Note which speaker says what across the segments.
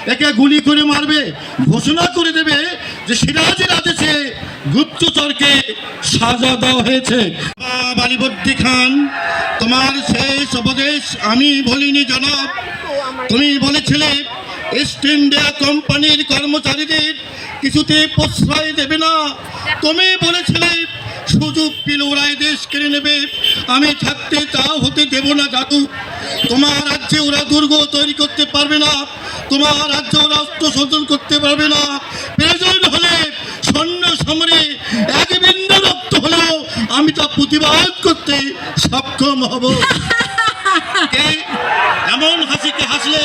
Speaker 1: একে গুলি করে মারবে, ঘোষণা করে দেবে যে সিরাজের আদেশে গুপ্তচরকে সাজা দেওয়া হয়েছে। বালিবর্দী খান, তোমার শেষ উপদেশ আমি বলিনি জনাব। তুমি বলেছিলে ইস্ট ইন্ডিয়া কোম্পানির কর্মচারীদের কিছুতে প্রশ্রয় দেবে না। তুমি বলেছিলে সুযোগ পেলে ওরাই দেশ কেড়ে নেবে। আমি থাকতে তা হতে দেব না জাদু। তোমার রাজ্যে ওরা দুর্গ তৈরি করতে পারবে না, তোমার রাজ্যে ওরা অস্ত্র শোধন করতে পারবে না। প্রয়োজন হলে সৈন্য সমরে এক বিন্দু রক্ত হলেও আমি তা প্রতিবাদ করতে সক্ষম হব। এমন হাসিকে হাসলে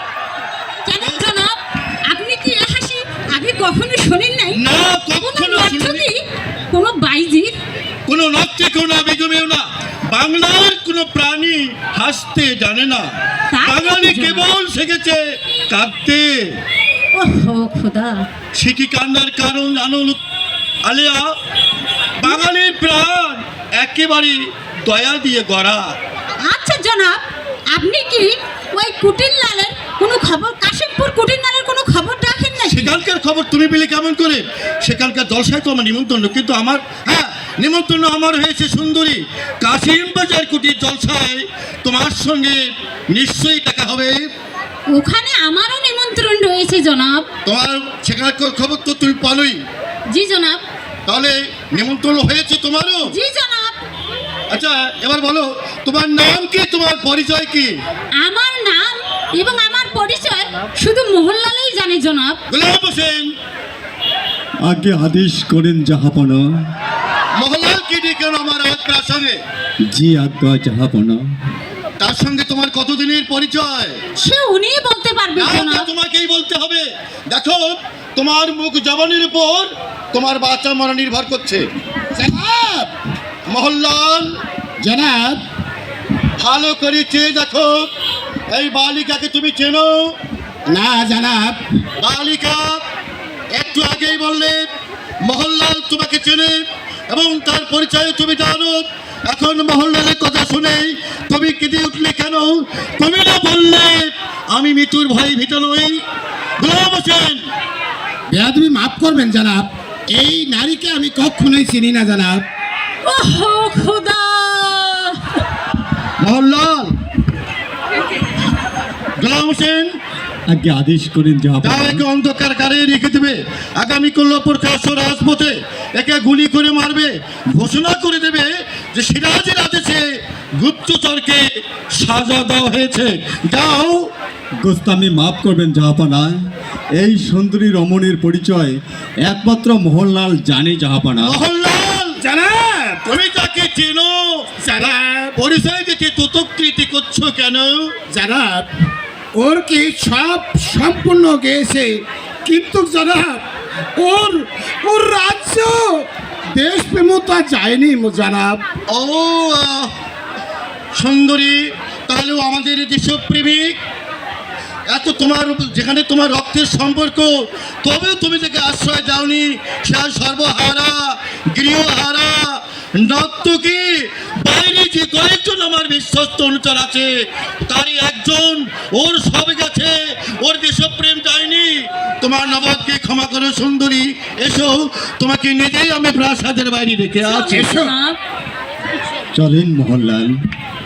Speaker 2: আপনি কি হাসি আগে কখনো শোনেন নাই?
Speaker 1: না, কখনো শুনিনি।
Speaker 2: কোনো বাইজির,
Speaker 1: কোনো নর্তকীও না, বেগমেও না। বাংলার কোনো প্রাণী হাসতে জানে না। বাঙালি কেবল শিখেছে কাঁদতে।
Speaker 2: ওহো খোদা,
Speaker 1: সে কি কান্নার কারণ জানো আলেয়া? বাঙালির প্রাণ একেবারে দয়া দিয়ে গড়া।
Speaker 2: আচ্ছা জনাব, আপনি কি ওই কুটিরলালের কোনো খবর, কাশিমপুর কুটিরলালের কোনো খবর রাখেন না?
Speaker 1: সেখানকার খবর তুমি পেলে কেমন করে? সেখানকার জলসায় তো আমার নিমন্ত্রণ, কিন্তু আমার নিমন্ত্রণ আমার হয়েছে সুন্দরী কাশিম বাজার কুটির জলসায়। তোমার সঙ্গে নিশ্চয়ই দেখা হবে।
Speaker 2: ওখানে আমারও নিমন্ত্রণ রয়েছে জনাব।
Speaker 1: তোমার সেখানকার খবর তো তুমি পালোই।
Speaker 2: জি জনাব।
Speaker 1: তাহলে নিমন্ত্রণ হয়েছে তোমারও?
Speaker 2: জি জনাব।
Speaker 1: আচ্ছা এবার বলো, তোমার নাম কি, তোমার পরিচয় কি?
Speaker 2: আমার নাম এবং আমার পরিচয় শুধু মোহনলালই জানে জনাব।
Speaker 1: গোলাম হোসেন,
Speaker 3: আগে আদেশ করেন জাহাপনা।
Speaker 1: মোহনলাল কি ডেকেন আমার আজ প্রাসঙ্গে?
Speaker 3: জি আজ্ঞা জাহাপনা।
Speaker 1: তার সঙ্গে তোমার কতদিনের পরিচয়?
Speaker 2: সে উনিই বলতে পারবে জনাব।
Speaker 1: তোমাকেই বলতে হবে। দেখো, তোমার মুখ জবানের উপর তোমার বাচ্চা মরা নির্ভর করছে।
Speaker 4: জনাব,
Speaker 1: মোহনলাল
Speaker 4: জনাব,
Speaker 1: ভালো করে চেয়ে দেখো, এই বালিকাকে তুমি চেনো?
Speaker 4: না জনাব।
Speaker 1: বালিকা একটু আগেই বললে মোহনলাল তোমাকে চেনে এবং তার পরিচয় তুমি জানো। এখন মোহনলালের কথা শুনে তুমি কেঁদে উঠলে কেন? তুমি না বললে আমি মৃত্যুর ভয় ভীত নই। গোলাম হোসেন,
Speaker 4: বেয়াদবি মাফ করবেন জনাব, এই নারীকে আমি কখনোই চিনি না জনাব।
Speaker 2: ওহো খোদা।
Speaker 1: মোহনলাল, গোলাম হোসেন,
Speaker 3: আগে আদেশ করেন জাহাপনা।
Speaker 1: তাও একে অন্ধকার কারে রেখে দেবে। আগামী কল্যাণপুর কাশো রাজপথে একে গুলি করে মারবে, ঘোষণা করে দেবে যে সিরাজের আদেশে গুপ্তচরকে সাজা দেওয়া হয়েছে। যাও।
Speaker 3: গোস্তামি মাফ করবেন জাহাপনা। এই সুন্দরী রমণীর পরিচয় একমাত্র মোহনলাল জানে জাহাপনা।
Speaker 1: মোহনলাল,
Speaker 4: জনাব,
Speaker 1: তুমি তাকে চেনো?
Speaker 4: জনাব,
Speaker 1: পরিচয় দিতে ততকৃতি করছো কেন?
Speaker 4: জনাব, ওর কি সব সম্পূর্ণ গেছে, কিন্তু জনাব ওর ওর রাজ্য দেশ প্রেমতা যায়নি জনাব।
Speaker 1: ও সুন্দরী, তাহলেও আমাদের দেশপ্রেমিক। এত তোমার যেখানে তোমার রক্তের সম্পর্ক, তবেও তুমি তাকে আশ্রয় দাওনি। সে সর্বহারা, গৃহহারা, নর্তকী। বাইরে যে কয়েকজন আমার বিশ্বস্ত অনুচর আছে, তারই একজন ওর সব গেছে, ওর দেশপ্রেম যায়নি। তোমার নবাবকে ক্ষমা করো সুন্দরী। এসো, তোমাকে নিজেই আমি প্রাসাদের বাইরে রেখে আছি।
Speaker 2: জনাব,
Speaker 3: চলেন মোহনলাল।